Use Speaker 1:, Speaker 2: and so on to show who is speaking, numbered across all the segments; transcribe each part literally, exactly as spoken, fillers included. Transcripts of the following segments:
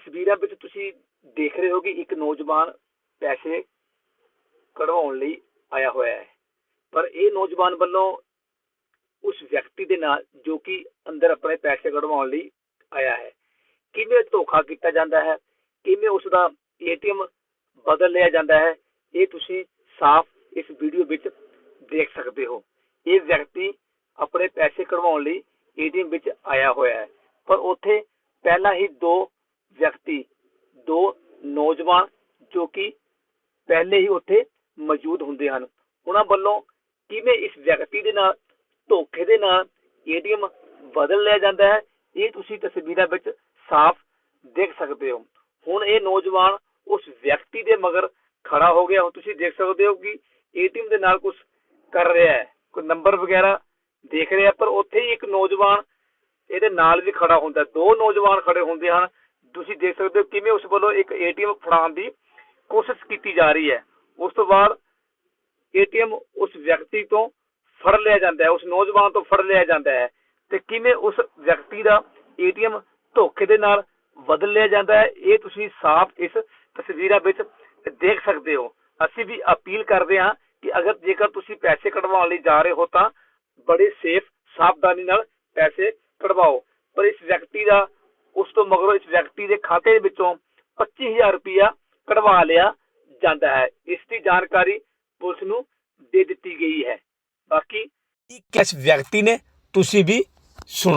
Speaker 1: ਤਸਵੀਰਾਂ ਵਿੱਚ ਤੁਸੀਂ ਦੇਖ ਰਹੇ ਹੋ ਕਿ ਇੱਕ ਨੌਜਵਾਨ ਪੈਸੇ ਕਢਵਾਉਣ ਲਈ ਆਇਆ ਹੋਇਆ ਹੈ, ਪਰ ਇਹ ਨੌਜਵਾਨ ਵੱਲੋਂ ਉਸ ਵਿਅਕਤੀ ਦੇ ਨਾਲ ਜੋ ਕਿ ਅੰਦਰ ਆਪਣੇ ਪੈਸੇ ਕਢਵਾਉਣ ਲਈ ਆਇਆ ਹੈ, ਕਿਵੇਂ ਧੋਖਾ ਕੀਤਾ ਜਾਂਦਾ ਹੈ, ਕਿਵੇਂ ਉਸ ਦਾ ਏਟੀਐਮ ਬਦਲ ਲਿਆ ਜਾਂਦਾ ਹੈ, ਇਹ ਤੁਸੀਂ ਸਾਫ਼ ਇਸ ਵੀਡੀਓ ਵਿੱਚ ਦੇਖ ਸਕਦੇ ਹੋ। ਇਹ ਵਿਅਕਤੀ ਆਪਣੇ ਪੈਸੇ ਕਢਵਾਉਣ ਲਈ ਏਟੀਐਮ ਵਿੱਚ ਆਇਆ ਹੋਇਆ ਹੈ, ਪਰ ਉੱਥੇ ਪਹਿਲਾਂ ਹੀ ਦੋ ਵਿਅਕਤੀ ਦੋ ਨੌਜਵਾਨ ਜੋ ਕਿ ਪਹਿਲੇ ਹੀ ਉੱਥੇ ਮੌਜੂਦ ਹੁੰਦੇ ਹਨ, ਉਹਨਾਂ ਵੱਲੋਂ ਕਿਵੇਂ ਇਸ ਵਿਅਕਤੀ ਦੇ ਨਾਲ ਧੋਖੇ ਦੇ ਨਾਲ ਏਟੀਐਮ ਬਦਲ ਲਿਆ ਜਾਂਦਾ ਹੈ, ਇਹ ਤੁਸੀਂ ਤਸਵੀਰਾਂ ਵਿੱਚ ਸਾਫ਼ ਦੇਖ ਸਕਦੇ ਹੋ। ਹੁਣ ਇਹ ਨੌਜਵਾਨ ਉਸ ਵਿਅਕਤੀ ਦੇ ਮਗਰ ਖੜਾ ਹੋ ਗਿਆ। ਤੁਸੀਂ ਦੇਖ ਸਕਦੇ ਹੋ ਕਿ ਏਟੀਐਮ ਦੇ ਨਾਲ ਕੁਝ ਕਰ ਰਿਹਾ ਹੈ, ਕੋਈ ਨੰਬਰ ਵਗੈਰਾ ਦੇਖ ਰਿਹਾ, ਪਰ ਉੱਥੇ ਹੀ ਇੱਕ ਨੌਜਵਾਨ ਇਹਦੇ ਨਾਲ ਵੀ ਖੜਾ ਹੁੰਦਾ, ਦੋ ਨੌਜਵਾਨ ਖੜੇ ਹੁੰਦੇ ਹਨ। ਤੁਸੀਂ ਦੇਖ ਸਕਦੇ ਹੋ ਕਿਵੇਂ ਉਸ ਵੱਲੋਂ ਇੱਕ ਏਟੀਐਮ ਫੜਾਉਣ ਦੀ ਕੋਸ਼ਿਸ਼ ਕੀਤੀ ਜਾ ਰਹੀ ਹੈ। ਉਸ ਤੋਂ ਬਾਅਦ ਏਟੀਐਮ ਉਸ ਵਿਅਕਤੀ ਤੋਂ ਫੜ ਲਿਆ ਜਾਂਦਾ ਹੈ, ਉਸ ਨੌਜਵਾਨ ਤੋਂ ਫੜ ਲਿਆ ਜਾਂਦਾ ਹੈ, ਤੇ ਕਿਵੇਂ ਉਸ ਵਿਅਕਤੀ ਦਾ ਏਟੀਐਮ ਧੋਖੇ ਦੇ ਨਾਲ ਬਦਲ ਲਿਆ ਜਾਂਦਾ ਹੈ, ਇਹ ਤੁਸੀਂ ਸਾਫ਼ ਇਸ ਤਸਵੀਰਾਂ ਵਿੱਚ ਦੇਖ ਸਕਦੇ ਹੋ। ਅਸੀਂ ਵੀ ਅਪੀਲ ਕਰਦੇ ਹਾਂ ਕਿ ਅਗਰ ਜੇਕਰ ਤੁਸੀਂ ਪੈਸੇ ਕਢਵਾਉਣ ਲਈ ਜਾ ਰਹੇ ਹੋ ਤਾਂ ਬੜੇ ਸੇਫ ਸਾਵਧਾਨੀ ਨਾਲ ਪੈਸੇ ਕਢਵਾਓ। ਪਰ ਇਸ ਵਿਅਕਤੀ ਦਾ ਉਸ ਤੋਂ ਮਗਰੋਂ ਇਸ ਵਿਅਕਤੀ ਦੇ ਖਾਤੇ ਵਿੱਚੋਂ ਪੱਚੀ ਹਜ਼ਾਰ ਰੁਪਇਆ ਕਢਵਾ ਲਿਆ ਜਾਂਦਾ ਹੈ। ਇਸ ਦੀ ਜਾਣਕਾਰੀ ਪੁਲਿਸ ਨੂੰ ਦੇ ਦਿੱਤੀ ਗਈ ਹੈ। ਬਾਕੀ ਕਿਸ ਵਿਅਕਤੀ ਨੇ ਤੁਸੀਂ ਵੀ ਸੁਣੋ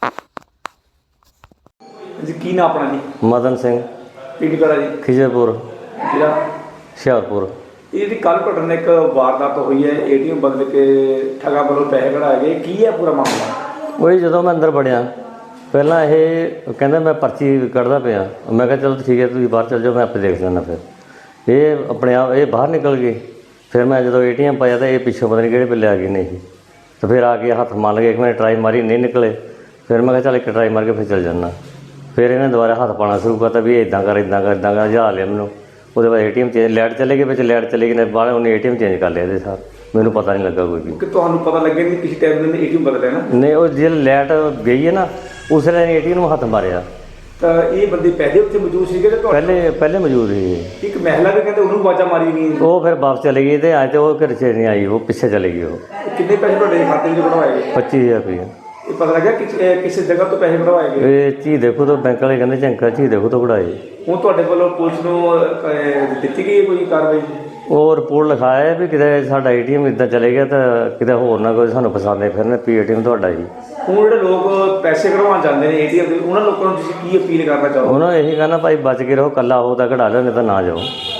Speaker 2: ਜੀ। ਕੀ ਨਾਮ ਆਪਣਾ ਜੀ?
Speaker 3: ਮਦਨ ਸਿੰਘ।
Speaker 2: ਪਿੰਡ ਕਿਹੜਾ ਜੀ?
Speaker 3: ਖਿਜਰਪੁਰ,
Speaker 2: ਜ਼ਿਲ੍ਹਾ
Speaker 3: ਹੁਸ਼ਿਆਰਪੁਰ।
Speaker 2: ਇਹ ਜਿਹੜੀ ਕੱਲ ਘਟਨਾ ਇੱਕ ਵਾਰਦਾਤ ਹੋਈ ਹੈ, ਏਟੀਐਮ ਬਦਲ ਕੇ ਠੱਗਾਂ ਵੱਲੋਂ ਪੈਸੇ ਕਢਾਏ ਗਏ, ਕੀ ਹੈ ਪੂਰਾ ਮਾਮਲਾ?
Speaker 3: ਉਹੀ ਜਦੋਂ ਮੈਂ ਅੰਦਰ ਵੜਿਆ ਪਹਿਲਾਂ ਇਹ ਕਹਿੰਦਾ ਮੈਂ ਪਰਚੀ ਕੱਢਦਾ ਪਿਆ, ਮੈਂ ਕਿਹਾ ਚਲੋ ਠੀਕ ਹੈ ਤੁਸੀਂ ਬਾਹਰ ਚੱਲ ਜਾਓ, ਮੈਂ ਆਪੇ ਦੇਖ ਲੈਂਦਾ। ਫਿਰ ਇਹ ਆਪਣੇ ਆਪ ਇਹ ਬਾਹਰ ਨਿਕਲ ਗਏ। ਫਿਰ ਮੈਂ ਜਦੋਂ ਏਟੀਐਮ ਪਾਇਆ ਤਾਂ ਇਹ ਪਿੱਛੋਂ ਪਤਾ ਨਹੀਂ ਕਿਹੜੇ ਵੇਲੇ ਆ ਗਏ ਨਹੀਂ, ਤਾਂ ਫਿਰ ਆ ਕੇ ਹੱਥ ਮਾਰ ਲਏ। ਇੱਕ ਮਿੰਟ ਟਰਾਈ ਮਾਰੀ, ਨਹੀਂ ਨਿਕਲੇ। ਫਿਰ ਮੈਂ ਕਿਹਾ ਚੱਲ ਇੱਕ ਟਰਾਈ ਮਾਰ ਕੇ ਫਿਰ ਚੱਲ ਜਾਂਦਾ। ਫਿਰ ਇਹਨੇ ਦੁਬਾਰਾ ਹੱਥ ਪਾਉਣਾ ਸ਼ੁਰੂ ਕਰਤਾ ਵੀ ਇੱਦਾਂ ਕਰ ਇੱਦਾਂ ਕਰ ਇੱਦਾਂ ਕਰ, ਜਾ ਲਿਆ ਮੈਨੂੰ। ਉਹਦੇ ਬਾਅਦ ਏਟੀਐਮ ਚੇਂਜ ਲਾਈਟ ਚਲੇ ਗਈ, ਵਿੱਚ ਲਾਈਟ ਚਲੇ ਗਈ ਨੇ ਬਾਹਰ, ਉਹਨੇ ਏਟੀਐਮ ਚੇਂਜ ਕਰ ਲਿਆ ਇਹਦੇ ਸਾਰ। ਮੈਨੂੰ ਪਤਾ ਨਹੀਂ ਲੱਗਾ ਕੋਈ ਵੀ
Speaker 2: ਕਿ ਤੁਹਾਨੂੰ ਪਤਾ ਲੱਗਿਆ ਨਹੀਂ ਕਿਸੇ ਟਾਈਮ ਨੇ ਏਟੀਐਮ ਬਦਲਿਆ ਨਾ?
Speaker 3: ਨਹੀਂ, ਉਹ ਜੇ ਲਾਈਟ ਗਈ ਹੈ ਨਾ ਉਸ ਵੇਲੇ ਏਟੀਐਮ ਨੂੰ ਹੱਥ ਮਾਰਿਆ।
Speaker 2: ਤਾਂ ਇਹ ਬੰਦੇ ਪਹਿਲੇ ਉੱਥੇ ਮੌਜੂਦ ਸੀਗੇ ਤੇ
Speaker 3: ਪਹਿਲੇ ਪਹਿਲੇ ਮੌਜੂਦ ਸੀ।
Speaker 2: ਇੱਕ ਮਹਿਲਾ ਵੀ ਕਹਿੰਦੇ ਉਹਨੂੰ ਆਵਾਜ਼ਾਂ ਮਾਰੀ ਗਈ,
Speaker 3: ਉਹ ਫਿਰ ਵਾਪਸ ਚਲੇ ਗਈ ਤੇ ਅੱਜ ਉਹ ਘਰ 'ਚ ਨਹੀਂ ਆਈ, ਉਹ ਪਿੱਛੇ ਚਲੇ ਗਈ। ਉਹ
Speaker 2: ਕਿੰਨੇ ਪੈਸੇ ਤੁਹਾਡੇ ਖਾਤੇ ਵਿੱਚ ਕਢਵਾਏ ਗਏ?
Speaker 3: ਪੱਚੀ ਹਜ਼ਾਰ ਰੁਪਏ।
Speaker 2: ਇਹ ਪਤਾ ਲੱਗਿਆ ਕਿ ਕਿਸੇ ਜਗ੍ਹਾ ਤੋਂ ਪੈਸੇ ਕਢਵਾਏ ਗਏ?
Speaker 3: ਇਹ ਚੀਜ਼ ਦੇਖੋ ਤਾਂ ਬੈਂਕ ਵਾਲੇ ਕਹਿੰਦੇ ਚੰਕਾ ਚੀਜ਼ ਦੇਖੋ ਤਾਂ ਕਢਾਏ।
Speaker 2: ਹੁਣ ਤੁਹਾਡੇ ਵੱਲੋਂ ਪੁਲਿਸ ਨੂੰ ਦਿੱਤੀ ਗਈ ਕੋਈ ਕਾਰਵਾਈ?
Speaker 3: ਉਹ ਰਿਪੋਰਟ ਲਿਖਾਇਆ ਵੀ ਕਿਤੇ ਸਾਡਾ ਏਟੀਐਮ ਇੱਦਾਂ ਚਲੇ ਗਿਆ ਤਾਂ ਕਿਤੇ ਹੋਰ ਨਾ ਕੋਈ ਸਾਨੂੰ ਫਸਾਉਂਦੇ ਫਿਰਨ ਵੀ ਏਟੀਐਮ ਤੁਹਾਡਾ ਜੀ।
Speaker 2: ਹੁਣ ਜਿਹੜੇ ਲੋਕ ਪੈਸੇ ਕਢਵਾਉਣ ਜਾਂਦੇ ਨੇ ਏਟੀਐਮ ਦੇ, ਉਹਨਾਂ ਲੋਕਾਂ ਨੂੰ ਤੁਸੀਂ ਕੀ ਅਪੀਲ ਕਰਨਾ ਚਾਹੋਗੇ?
Speaker 3: ਉਹਨਾਂ ਨੂੰ ਇਹੀ ਕਹਿਣਾ ਭਾਈ ਬਚ ਕੇ ਰਹੋ, ਇਕੱਲਾ ਹੋ ਤਾਂ ਕਢਾ ਲਿਓ, ਨਹੀਂ ਤਾਂ ਨਾ ਜਾਓ।